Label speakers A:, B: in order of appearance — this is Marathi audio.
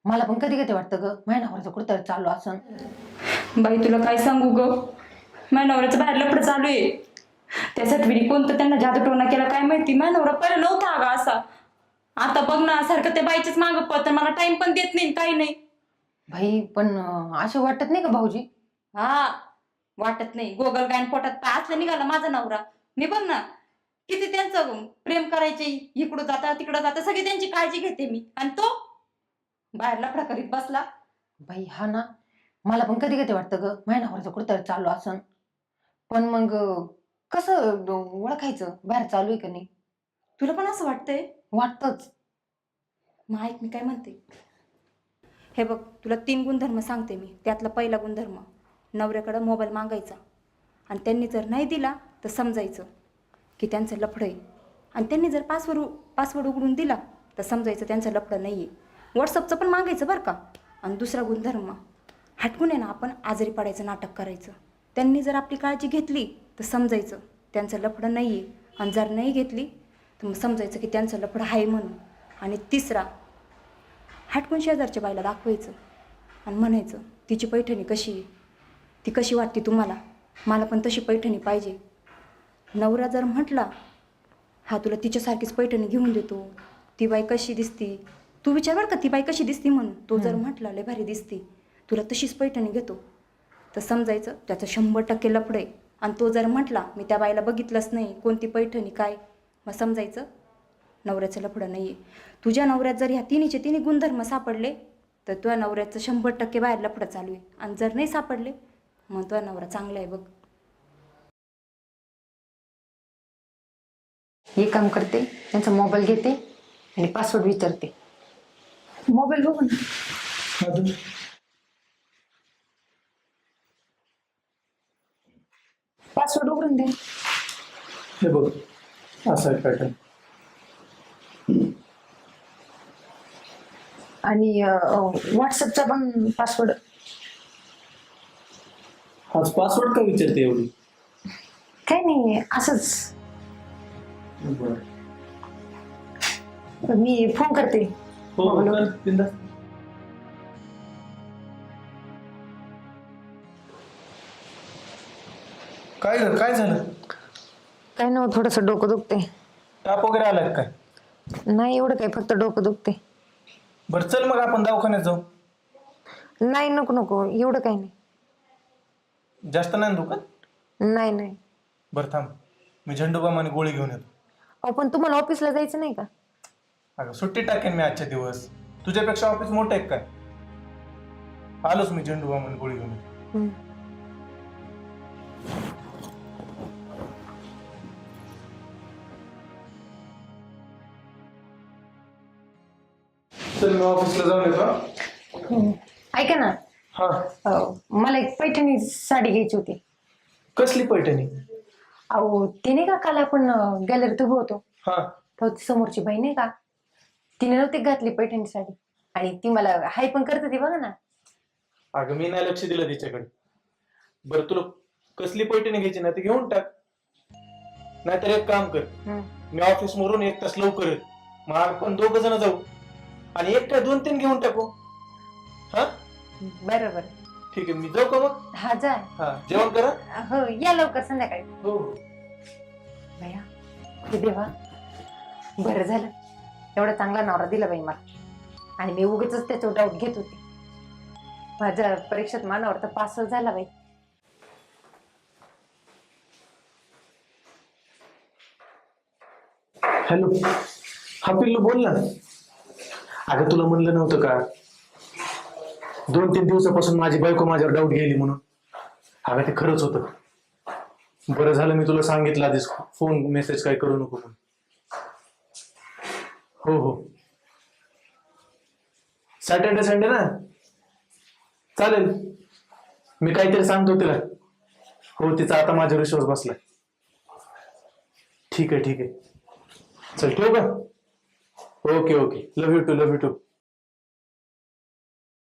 A: मला पण कधी कधी वाटतं ग माझ्या नवऱ्याचं कुठं चालू असं.
B: बाई तुला काय सांगू ग, माझ्या नवऱ्याचं बाहेर लफडं चालू आहे. त्यासाठी मी कोणतं त्यांना जादूटोना केला काय माहिती. माझ्या नवरा पहिला नव्हता अगं असा. आता बघ ना सारखं त्या बाईच्याच मागं पळतं, मला टाइम पण देत नाही काही नाही.
A: भाई पण असं वाटत नाही का भाऊजी?
B: हा वाटत नाही. गोगल गायन पोटात पाय असलं निघाला माझा नवरा. मी बघ ना किती त्यांचं प्रेम करायचे, इकडं जाता तिकडं जाता सगळी त्यांची काळजी घेते मी, आणि तो बाहेर लफडा करीत बसला.
A: भाई हा ना, मला पण कधी कधी वाटतं ग माझ्या नवऱ्याचं कुठं चालू असं. पण मग कसं ओळखायचं बाहेर चालू आहे का नाही?
B: तुला पण असं वाटतंय?
A: वाटतच.
B: मग ऐक मी काय म्हणते. हे बघ तुला 3 गुणधर्म सांगते मी. त्यातला पहिला गुणधर्म, नवऱ्याकडं मोबाईल मागायचा आणि त्यांनी जर नाही दिला तर समजायचं की त्यांचं लफडं आहे. आणि त्यांनी जर पासवर्ड उघडून दिला तर समजायचं त्यांचं लफडं नाही आहे. व्हॉट्सअपचं पण मागायचं बरं का. आणि दुसरा गुणधर्म, हटकून आहे ना आपण आजारी पडायचं नाटक करायचं. त्यांनी जर आपली काळजी घेतली तर समजायचं त्यांचं लफडं नाही आहे. आणि जर नाही घेतली तर मग समजायचं की त्यांचं लफडं आहे म्हणून. आणि तिसरा, हटकून शेजारच्या बाईला दाखवायचं आणि म्हणायचं तिची पैठणी कशी आहे, ती कशी वाटते तुम्हाला, मला पण तशी पैठणी पाहिजे. नवरा जर म्हटला हा तुला तिच्यासारखीच पैठणी घेऊन देतो, ती बाई कशी दिसती, तू विचार बरं का ती बाई कशी दिसती म्हणून. तो जर म्हटला लय भारी दिसती, तुला तशीच पैठणी घेतो, तर समजायचं त्याचं 100% लफडं आहे. आणि तो जर म्हटला मी त्या बाईला बघितलंच नाही, कोणती पैठणी काय, मग समजायचं नवऱ्याचं लफडं नाही आहे. तुझ्या नवऱ्यात जर ह्या तिन्ही गुणधर्म सापडले तर तुझ्या नवऱ्याचं 100% बाहेर लफडं चालू आहे. आणि जर नाही सापडले मग तुझा नवरा चांगला आहे बघ.
A: हे काम करते, त्यांचा मोबाईल घेते आणि पासवर्ड विचारते. मोबाईल बघू ना. पासवर्ड उघडून दे.
C: हे बघ असा आहे पॅटर्न.
A: आणि व्हॉट्सअपचा पण पासवर्ड.
C: हाच पासवर्ड का विचारते एवढी?
A: काही नाही असंच.
C: बरं
A: मी फोन करते.
C: हो कर बिंदास. काय ग काय झालं?
A: काय नाही, थोडस डोकं दुखते.
C: ताप वगैरे आलाय काय?
A: नाही एवढं काय, फक्त डोकं दुखते.
C: बरं चल मग आपण दवाखान्यात जाऊ.
A: नाही नको नको, एवढं काही नाही.
C: जास्त नाही ना दुखत?
A: नाही नाही.
C: बरं थांब, मी झंडूबाम आणि गोळी घेऊन येतो.
A: अहो पण तुम्हाला ऑफिसला जायचं नाही का?
C: अगं सुट्टी टाकेन मी आजच्या दिवस. तुझ्यापेक्षा ऑफिस मोठं आहे काय? आलोच मी झंडूबाम आणि गोळी घेऊन येतो. चल मी ऑफिसला जाऊन येतो.
A: ऐका ना,
C: हा
A: मला एक पैठणी साडी घ्यायची होती.
C: कसली पैठणी?
A: अहो ते नाही का, काल आपण गॅलरीत उभं होतो,
C: हा
A: तर ती समोरची बाई नाही का, तिने नव्हती घातली पैठणी साडी आणि ती मला हाय पण करते ती, बघा ना.
C: अगं मी नाही लक्ष दिलं तिच्याकडे. बरं तुला कसली पैठणी घ्यायची ना ती घेऊन टाक. नाहीतर एक काम कर, मी ऑफिस मरून 1 तास लवकर येतो, मग आपण 2 जण जाऊ आणि एक काय 2-3 घेऊन टाकू. हा
A: बरोबर.
C: ठीक आहे, मी जाऊ का मग?
A: हा जा.
C: हा जेवण करा.
A: हो या लवकर संध्याकाळी.
C: हो
A: भैया हे देवा, बरं झालं एवढा चांगला नवरा दिला बाई मला. आणि मी उगीच त्याच्यावर डाऊट घेत होते. माझ्या परीक्षेत मानावर तर पासच झाला बाई.
C: हॅलो, हा पिल्लू बोल ना. अगं तुला म्हणलं नव्हतं का 2-3 दिवसापासून माझी बायको माझ्यावर डाऊट गेली म्हणून? अगं ते खरंच होतं. बरं झालं मी तुला सांगितलं आधीच, फोन मेसेज काय करू नको म्हणून. हो हो सॅटर्डे संडे ना, चालेल. मी काहीतरी सांगतो तिला. हो तिचा आता माझ्यावर विश्वास बसलाय. ठीक आहे ठीक आहे, चल ठेवू का? Okay okay, love you too love you to.